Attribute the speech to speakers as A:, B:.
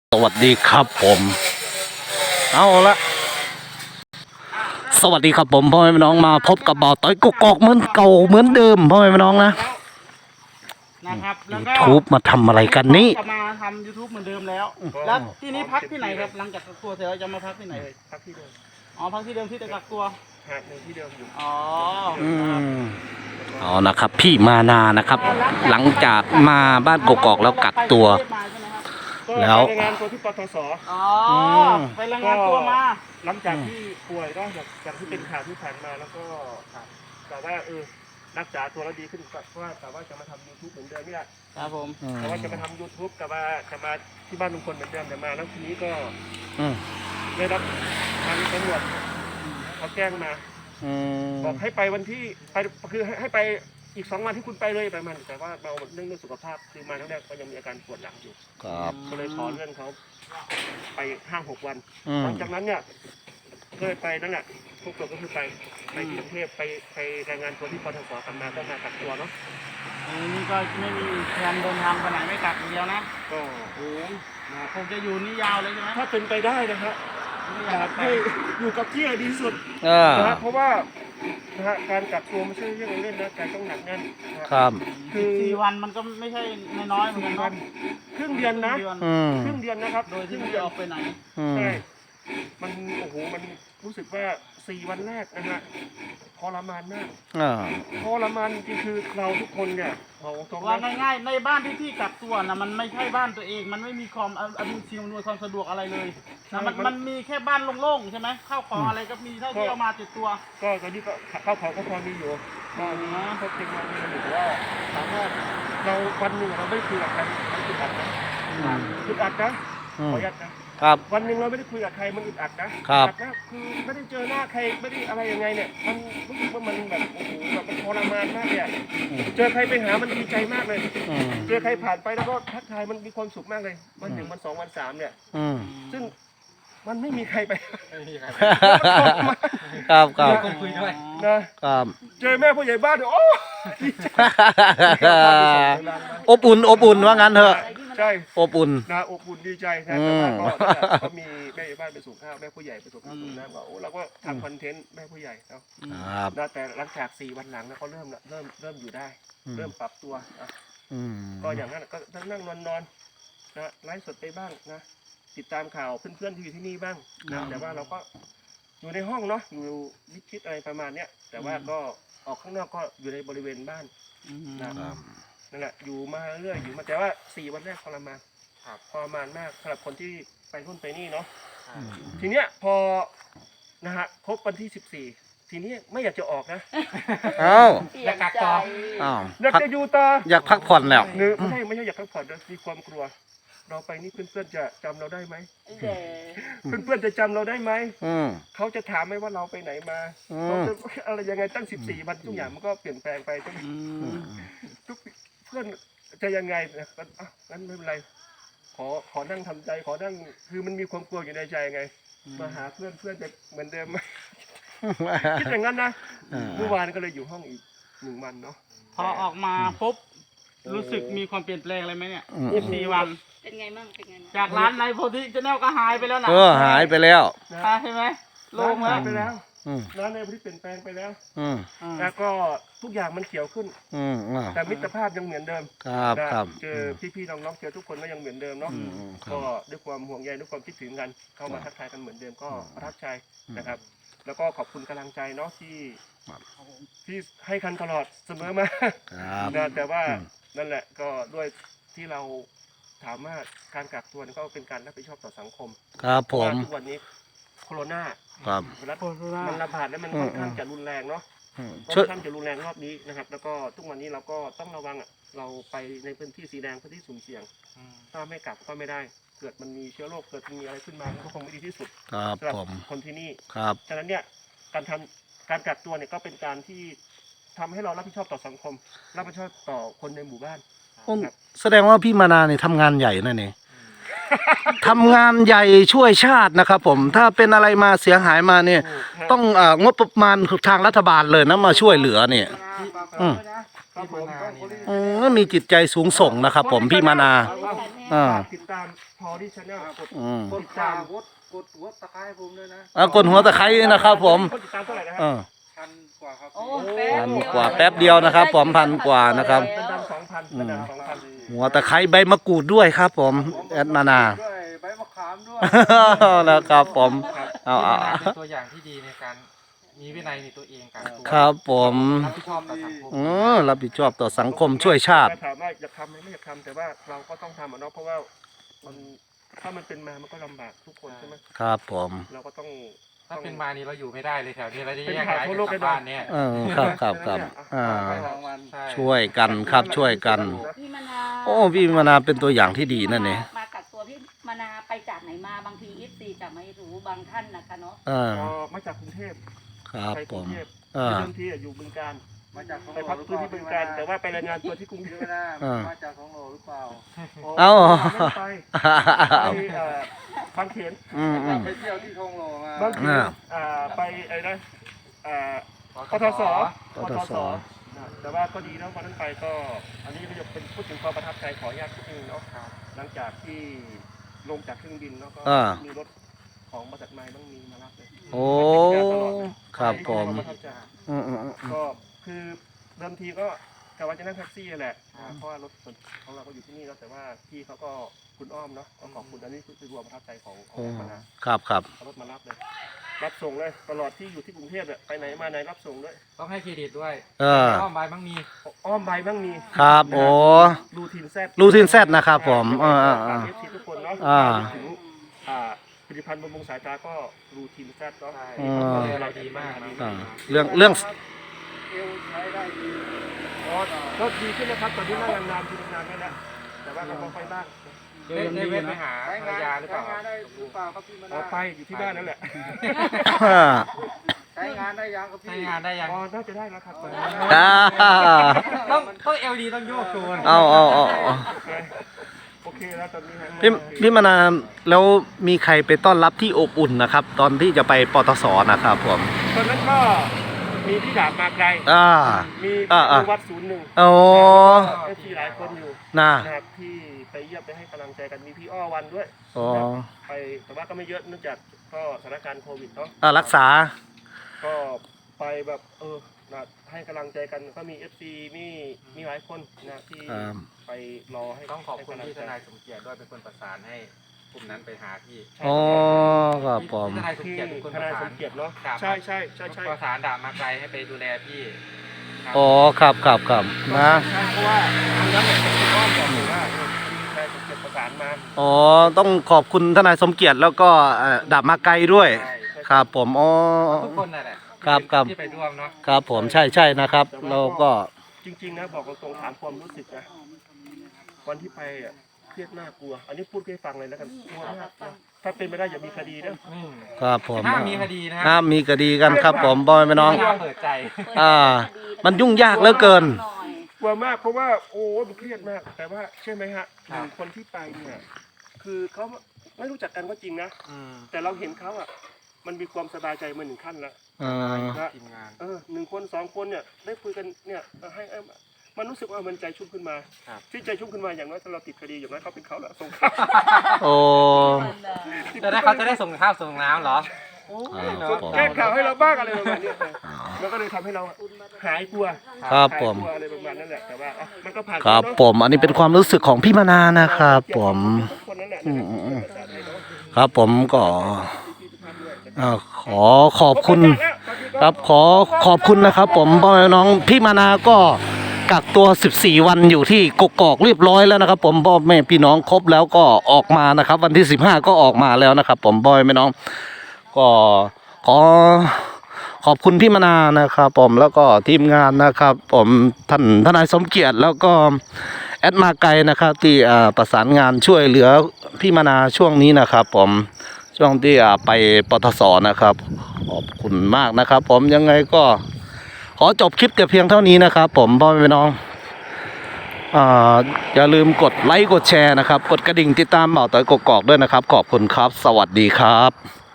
A: สวัสดีครับผมเอาละสวัสดีครับผมพ่อแม่พี่น้องมาพบกับบ่าวต้อยกกอกเหมือนเก่าเหมือนเดิมพ่อแม่พี่น้องนะครับแล้วก็ YouTube มาทำอะไรกันนี่
B: จะมาทำ YouTube เหมือนเดิมแล้วแล้วที่นี้พักที่ไหนครับหลังจากกักตัวเสร็จแล้วจะมาพักที่ไหน
C: พักที่เดิม
B: อ๋อพักที่เดิมที่จะกักตัว
C: หาดหนึ่งที่เดิมอยู่
B: อ๋อ
A: อ๋อนะครับพี่มานานะครับ หลังจากมาบ้านกกอกแล้วกักตัวแล้ว
C: ไปรายงานตัวที่ปทศ
B: อ๋อไปรายงานตัวมา
C: หลังจากที่ป่วยก็จากที่เป็นข่าวที่ผ่านมาแล้วก็แต่ว่ารักษาตัวแล้วดีขึ้นเพราะว่าแต่ว่าจะมาทำ YouTube เหมือนเดิมนี่แหละ
B: ครับผม
C: แต่ว่าจะมาทำ YouTube กับว่าจะมาที่บ้านลุงพลเหมือนเดิมแต่มาแล้วทีนี้ก็ได้รับทางตำรวจเขาแจ้งมาบอกให้ไปวันที่ไปคือให้ไปอีก2 วันที่คุณไปเลยประมาณแต่ว่าเราเรื่องสุขภาพคือมาแรกก็ยังมีอาการปวดหลังอยู่ก็เลยขอเลื่อนเขาไป5-6 วันหลังจากนั้นเนี่ยก็เลยไปนั่นแหละพวกเราก็คือไปที่กรุงเทพไปรายงานตัวที่ปทศกลับมาก็มากักตัวเนาะ
B: นี่ก็ไม่มีแผนเดินทางไปไหนไม่กักอย่างเดียวนะ
C: ก็
B: คงจะอยู่นี่ยาวเลยใช่ไหม
C: ถ้าเป็นไปได้นะครับอยากให้อยู่กับที่ดีสุดนะเพราะว่าการกักตัวไม่ใช่เรื่องเล่นนะการต้องหนักแน่น
A: ครับ
B: คือ4 วันมันก็ไม่ใช่น้อยเหมือนกันนะ
C: ครึ่งเดือนนะครึ่งเดือนนะครับ
B: โดยที่ไม่ได้ออกไปไหน
C: ใช่มันโอ้โหมันรู้สึกว่า4 วันแรกนะฮะทรมานมากทรมานจริงคือเราทุกคนเนี่ย
B: ว่าง่ายๆในบ้านที่พี่กักตัวนะมันไม่ใช่บ้านตัวเองมันไม่มีความสิ่งอำนวยความสะดวกอะไรเลยนะมันมีแค่บ้านโล่งๆใช่ไหมข้าวของอะไรก็มีเท่าที่เอามาติดตัว
C: ก็ตอนนี้ก็ข้าวของก็พอมีอยู่ก็มีพบเทคโนโลยีหรือว่าสามารถเราวันหนึ่งเราไม่คุยกับใครมันอึดอัดนะอึดอัดนะขออนุญาตนะครับวันหนึ่งเราไม่ได้คุยกับใครมันอึดอัดนะครับคือไม่ได้เจอหน้าใครไม่ได้อะไรยังไงเนี่ยมันรู้สึกว่ามันแบบโอ้โหแบบมันทรมานมากเลยเจอใครไปหามันดีใจมากเลยเจอใครผ่านไปแล้วก็ทักทายมันมีความสุขมากเลยวัน1 วัน 2 วัน 3เนี่ยซึ่งมันไม่มีใครไป
A: ครับ
C: คุยด้วยนะครับเจอแม่ผู้ใหญ่บ้านโอ้
A: อบอุ่นว่างั้นเถอะ
C: ใช่
A: อบอุ่น
C: นะอบอุ่นดีใจนะแต่ว่าก็มีแม่บ้านไปส่งข้าวแม่ผู้ใหญ่ไปส่งข้าวส่งน้ำก็เราก็ทำคอนเทนต์แม่ผู้ใหญ่เนาะแต่หลังจาก4 วันหลังนะเขาเริ่มอยู่ได้เริ่มปรับตัวก็อย่างนั้นก็นั่งนอนนะไลฟ์สดไปบ้างนะติดตามข่าวเพื่อนๆที่อยู่ที่นี่บ้างนะแต่ว่าเราก็อยู่ในห้องเนาะอยู่วิชิตอะไรประมาณเนี้ยแต่ว่าก็ออกข้างนอกก็อยู่ในบริเวณบ้านนะนั่นแหละอยู่มาเรื่อยอยู่มาแต่ว่า4 วันแรกทรมานมากสำหรับคนที่ไปนู่นไปนี่เนาะทีเนี้ยพอนะฮะครบวันที่14ทีนี้ไม่อยากจะออกนะ
B: อยากกักต่อ
C: อยากจะอยู่ต่อ
A: อยากพักผ่อนแล้ว
C: ไม่ใช่อยากพักผ่อนนะมีความกลัวเราไปนี่เพื่อนๆจะจำเราได้ไหมเพื่อนๆจะจำเราได้ไหมเขาจะถามไหมว่าเราไปไหนมาเขาจะอะไรยังไงตั้ง14 วันทุกอย่างมันก็เปลี่ยนแปลงไปทุกเพื่อนจะยังไงนะงั้นไม่เป็นไรขอนั่งทำใจขอนั่งคือมันมีความกลัวอยู่ในใจไงมาหาเพื่อนจะเหมือนเดิมไหมคิดอย่างนั้นนะเมื่อวานก็เลยอยู่ห้องอีก1 วันเนาะ
B: พอออกมาปุ๊บรู้สึกมีความเปลี่ยนแปลงอะไรไหมเนี่ย4 วัน
D: เป็นไงมั่ง
B: จากร้านในโพธิชาแนลก็หายไปแล้วนะ
A: หายไปแล้ว
B: ใช่ไหมลงแล้ว
C: ไปแล้วร้านในโพธิเปลี่ยนแปลงไปแล้วแล้วก็ทุกอย่างมันเขียวขึ้นแต่มิตรภาพยังเหมือนเดิม
A: ครับ
C: เจอพี่ๆน้องๆเจอทุกคนก็ยังเหมือนเดิมเนาะก็ด้วยความห่วงใยด้วยความคิดถึงกันเข้ามาทักทายกันเหมือนเดิมก็ประทับใจนะครับแล้วก็ขอบคุณกำลังใจเนาะที่ให้กันตลอดเสมอมาแต่ว่านั่นแหละก็ด้วยที่เราถามว่าการกักตัวก็เป็นการรับผิดชอบต่อสังคม
A: ครับผม
C: ทุกวันนี้โควิดมันระบาดแล้วมันค่อนข้างจะรุนแรงเนาะค่อนข้างจะรุนแรงรอบนี้นะครับแล้วก็ทุกวันนี้เราก็ต้องระวังเราไปในพื้นที่สีแดงพื้นที่สุ่มเสี่ยงถ้าไม่กักก็ไม่ได้เกิดมันมีเชื้อโรคเกิดมีอะไรขึ้นมาก็คงไม่ดีที่สุดสำหรับคนที่นี่ฉะนั้นเนี่ยการกักตัวเนี่ยก็เป็นการที่ทำให้เรารับผิดชอบต่อสังคมรับผิดชอบต่อคนในหมู่บ้าน
A: แสดงว่าพี่มานาเนี่ยทำงานใหญ่นั่นเองทำงานใหญ่ช่วยชาตินะครับผมถ้าเป็นอะไรมาเสียหายมาเนี่ยต้องงบประมาณทางรัฐบาลเลยนะมาช่วยเหลือเนี่ยมีจิตใจสูงส่งนะครับผมพี่มานา
C: ติดตามพอที่ชาแนลกด
D: กดตามกดหัวตะไคร้ผมด้วยนะ
A: กดหัวตะไคร้นะครับผม
C: คนติดตามเท่าไหร่นะฮะ
D: พันกว่าครับ
E: โอ้
A: พันกว่าแป๊บเดียวนะครับผมพันกว่านะครับ
C: เป็นดำ2,000เป็นดำ2,000
A: หัวตะไคร้ใบมะกรูดด้วยครับผมแอดมานา
D: ด้วยใบมะขามด้วย
A: นะครับผมเอา
F: เป็นตัวอย่างที่ดีในการมีวินัยในตัวเองกันตัว
A: ครับผม
F: รับผิดชอบต่อสังคม
A: รับผิดชอบต่อสังคมช่วยชาติ
C: ถามว่าอยากทำไหมไม่อยากทำแต่ว่าเราก็ต้องทำเนาะเพราะว่ามันถ้ามันเป็นมามันก็ลำบากทุกคนใช่ไหม
A: ครับผม
C: เราก็ต้อง
F: ถ้าเป็นมานี่เราอยู่ไม่ได้เลยแถวนี้เราจะ
C: เป็น
F: แยก
C: ข่าว
F: ย้าย
C: ทั่ว
F: กัน
C: โลก
F: กลับ
C: แน่นอน
F: บ้านเนี่ย
A: ครับ
F: ใช่
A: ช่วยกันครับช่วยกัน
E: พี่มนา
A: โอ้พี่มานาเป็นตัวอย่างที่ดีนั่นเอง
E: มากักตัวพี่มนาไปจากไหนมาบางทีFCจะไม่รู้บางท่านนะคะเนาะ
C: มาจากกรุงเทพ
A: ครับ
C: ไป
A: ผ
C: กรุ
A: ม
C: งเทพ
A: เออ
C: เดิมทีอยู่บึงการ
D: มาจากของ
C: ไปพักพื้นที่บึงการแต่ว่าไปรายงานตัวที่กรุงเทพ
D: ไม่ได้มาจากของโหลหรือเปล่า
A: เอ้า
C: ไม่ไปฟังเขียน
D: ไปเที่ยวที่ทองหล่อมา
C: บางทีไปไอ้นะปทสแต่ว่าก็ดีนะวันนั้นไปก็อันนี้ก็จะเป็นพูดถึงความประทับใจขออนุญาตพูดถึงเนาะหลังจากที่ลงจากเครื่องบินเนาะก็มีรถของบริษัทไม้ต้องมีมารับเลย
A: โอ้ครับผม
C: ก็คือเดิมทีก็กะว่าจะนั่งแท็กซี่แหละเพราะว่ารถของเราก็อยู่ที่นี่แล้วแต่ว่าพี่เขาก็คุณอ้อมเนาะก็ขอบคุณอันนี้คือรวมประทับใจของคณะ
A: ครับ
C: เอารถมารับเลยรับส่งเลยตลอดที่อยู่ที่กรุงเทพเนี่ยไปไหนมาไหนรับส่งด้วย
F: ต้องให้เครดิตด้วย
C: อ้อมใบบ้างมี
A: ครับโอ้
C: รูทีนแซด
A: รูทีนแซดนะครับผม
C: เอฟซีทุกคนเนาะถึงผลิตภัณฑ์บำรุงสายตาก็รูทีนแซดเนาะ
F: เราดีมาก
A: เรื่อง
D: เอวใช้ได้ดี
C: ก็ดีขึ้นนะครับตอนนี้นั่งนานๆทีนานๆไม่แล้วแต่ว่าเราก็ค่อยบ้าง
F: ได้เว้นไปหา
D: ใช้
F: ภรรง
D: าน
F: ยาหรือเปล่า
D: ใช้งานได้หรือเปล่าครับพี่ม
C: อ
D: นา
C: อกไปอยู่ที่บ้านนั่นแหละ
D: ใช้งานได้ยังครับ
F: ใช้
D: พี่
F: งานได้ยัง
C: น่าจะได้แล้วครับตอนนี้
F: ต้องเอลดีต้องโยกโชว์
A: เอา
C: โอเคแล้วตอนนี้ฮะ
A: พี่มานาแล้วมีใครไปต้อนรับที่อบอุ่นนะครับ ตอนที่จะไปปตสนะครับผม
C: ตอนนั้นก็มีพี่ดาบมาไกลมีวัด01
A: โอ้
C: ที่หลายคนอยู่
A: น่ะ
C: นะครับที่ไปเยี่ยมไปให้กำลังใจกันมีพี่อ้อวันด้วย
A: อ๋อ
C: ไปแต่ว่าก็ไม่เยอะเนื่องจากก็สถานการณ์โควิดเนาะ
A: รักษา
C: ก็ไปแบบนะให้กำลังใจกันก็มี FC มีหลายคนนะที่ไปรอให้
F: ต้องขอบคุณที่ทนายสมเกียรติด้วยเป็นคนประสานให้กลุ่มนั้นไปหาพี่
A: อ๋อครับผม
F: ทนายสม
C: ที่
F: เกียรติเป็นคน
C: ท
F: ประ
C: นาย
F: สา
C: ส
F: น
C: มเกียรติเนาะ
F: ครับ
C: ใช่
F: ประสานดาบมาไกลให้ไปดูแลพี่
A: อ๋อครับนะ
C: ใช่เพราะว่าทางนั้นเนี่ยเป็นคุณอ้อมบอกเลยว่าทนายสมเกียรติประสานมา
A: อ๋อต้องขอบคุณทนายสมเกียรติแล้วก็ดาบมาไกลด้วย ครับผมอ๋อ
F: ทุกคนนั่นแหละ
A: ครับ
F: ที่ไปร่วมเนาะ
A: ครับผมใช่นะครับ เราก็
C: จริงๆนะบอกตรงๆถามความรู้สึกนะวันที่ไปอ่ะเครียดน่ากลัว อันนี้พูดให้ฟังเลยแล้วกันกลัวมากนะถ้าเป็นไม่ได้อย่ามีคดีนะครับ
A: ผม
F: ห้ามมีคดีนะ
A: ห้ามมีคดีกันครับผมบอยแม่น้อง
F: ห้ามเปิดใจ
A: มันยุ่งยากเหลือเกิน
C: กลัวมากเพราะว่าโอ้มันเครียดมาก แต่ว่าเชื่อไหมฮะคนที่ไปเนี่ยคือเขาไม่รู้จักกันก็จริงนะแต่เราเห็นเขาอ่ะมันมีความสบายใจมาหนึ่งขั้นละ
F: ทีมงาน
C: 1 คน2 คนเนี่ยได้คุยกันเนี่ยให้มันรู้สึกว่ามันใจชุ่มขึ้นมาที่ใจชุ่มขึ้นมาอย่างน้อยถ้าเราติดคดีอย่างน้อยเขาเป็นเขาแหละส่งข้าว
A: โอ้
F: จะได้เขาจะได้ส่งข้าวส่งน้ำเหรอ
C: แก้ข่าวให้เราบ้างอะไรประมาณนี้มันก็เลยทำให้เราหายกลัว
A: ครับผม
C: หายกลัวอะไรประมาณนั้นแหละแต่ว่ามันก็ผ่าน
A: ครับผมอันนี้เป็นความรู้สึกของพี่มานานะครับผม
C: คนนั้นแหละ
A: ครับผมก็ขอขอบคุณครับขอขอบคุณนะครับผมพ่อแม่น้องพี่มานาก็กักตัว14วันอยู่ที่กกอกเรียบร้อยแล้วนะครับผมพ่อแม่พี่น้องครบแล้วก็ออกมานะครับวันที่15ก็ออกมาแล้วนะครับผมพ่อแม่น้องก็ขอขอบคุณพี่มานานะครับผมแล้วก็ทีมงานนะครับผมท่านทนายสมเกียรติแล้วก็แอดมาไกลนะครับที่ประสานงานช่วยเหลือพี่มานาช่วงนี้นะครับผมช่วงที่ไปปตสนะครับขอบคุณมากนะครับผมยังไงก็ขอจบคลิปแต่เพียงเท่านี้นะครับผมพ่อแม่พี่น้องอย่าลืมกดไลค์กดแชร์นะครับกดกระดิ่งติดตามเบาต่อยกกอกด้วยนะครับขอบคุณครับสวัสดีครับ